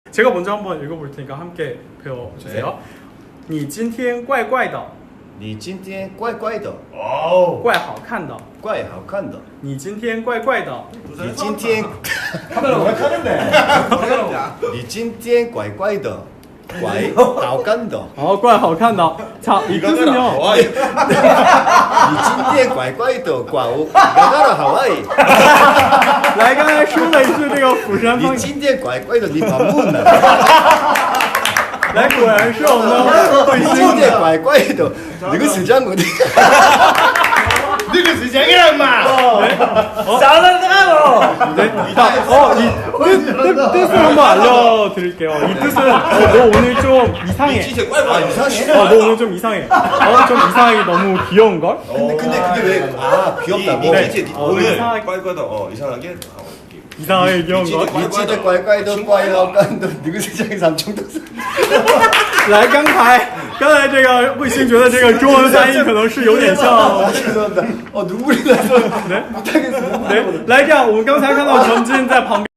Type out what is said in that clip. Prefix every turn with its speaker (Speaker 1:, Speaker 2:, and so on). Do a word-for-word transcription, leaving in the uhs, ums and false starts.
Speaker 1: 제가 먼저 한번 읽어볼 테니까 함께 배워주세요.
Speaker 2: 네.
Speaker 1: 你今天怪怪的
Speaker 2: 你今天怪怪的，
Speaker 3: 哦，
Speaker 1: 怪好看的
Speaker 2: 怪好看的。
Speaker 1: 你今天怪怪的
Speaker 2: 你今天，
Speaker 3: 카메라 왜 카는데?
Speaker 2: 你今天怪怪的，怪好看的。
Speaker 1: 어, 怪好看的 자, 이 뜻은요.
Speaker 3: 와,
Speaker 2: 你今天怪怪的，怪가가라 하와이。
Speaker 1: 来，刚才说了一句这个釜山方言，
Speaker 2: 你今天怪怪的，你반문了。
Speaker 1: 来，果然是我们的慧
Speaker 2: 你今
Speaker 1: 心。
Speaker 2: 天怪怪的，那个是讲我的。
Speaker 3: 너가 시장이란 마.
Speaker 1: 잘한다고. 네, 자, 어, 이 뜻, 뜻, 뜻을 한번 알려드릴게요. 이 뜻은 어, 너 오늘 좀 이상해.
Speaker 2: 아 이상해?
Speaker 1: 어, 너 오늘 좀 이상해. 어, 좀 이상하게 너무 귀여운 걸?
Speaker 2: 근데 근데 그게 왜? 아 귀엽다고?
Speaker 1: 네.
Speaker 3: 이제
Speaker 1: 어,
Speaker 3: 오늘
Speaker 1: 이상하게-
Speaker 3: 꽈꽈다 어 이상하게
Speaker 1: 이상하게 귀여운 걸?
Speaker 2: 你记得怪怪的，怪好看的，那个是讲三重的。
Speaker 1: 来，刚才刚才这个卫星觉得这个中文翻译可能是有点像。
Speaker 2: 죄송합니다. 어 눈물이 나서 못하겠어요.
Speaker 1: 네, 来这样，我们刚才看到陈金在旁边。